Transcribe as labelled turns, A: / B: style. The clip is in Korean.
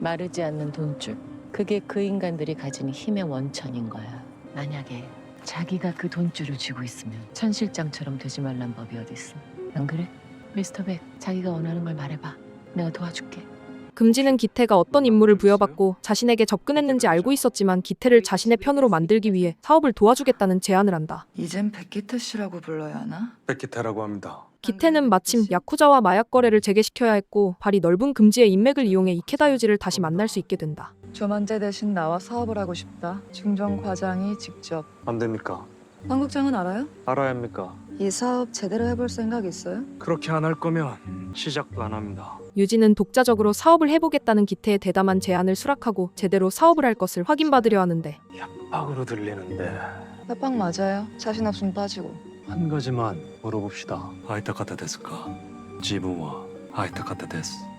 A: 마르지 않는 돈줄. 그게 그 인간들이 가진 힘의 원천인 거야. 만약에 자기가 그 돈줄을 쥐고 있으면 천 실장처럼 되지 말란 법이 어딨어. 안 그래? 미스터 백, 자기가 원하는 걸 말해봐. 내가 도와줄게.
B: 금지는 기태가 어떤 임무를 부여받고 자신에게 접근했는지 알고 있었지만 기태를 자신의 편으로 만들기 위해 사업을 도와주겠다는 제안을 한다.
C: 이젠 백기태 씨라고 불러야 하나?
D: 백기태라고 합니다.
B: 기태는 마침 야쿠자와 마약 거래를 재개시켜야 했고 발이 넓은 금지의 인맥을 이용해 이케다 유지를 다시 만날 수 있게 된다.
C: 조만재 대신 나와 사업을 하고 싶다. 중정 과장이 직접.
D: 안 됩니까?
C: 황 국장은 알아요?
D: 알아야 합니까?
C: 이 사업 제대로 해볼 생각 있어요?
D: 그렇게 안 할 거면 시작도 안 합니다.
B: 유지는 독자적으로 사업을 해보겠다는 기태의 대담한 제안을 수락하고 제대로 사업을 할 것을 확인받으려 하는데
D: 협박으로 들리는데
C: 협박 맞아요. 자신 없으면 빠지고.
D: 한 가지만 물어봅시다. 아이타카타 데스까? 지분와 아이타카타 데스.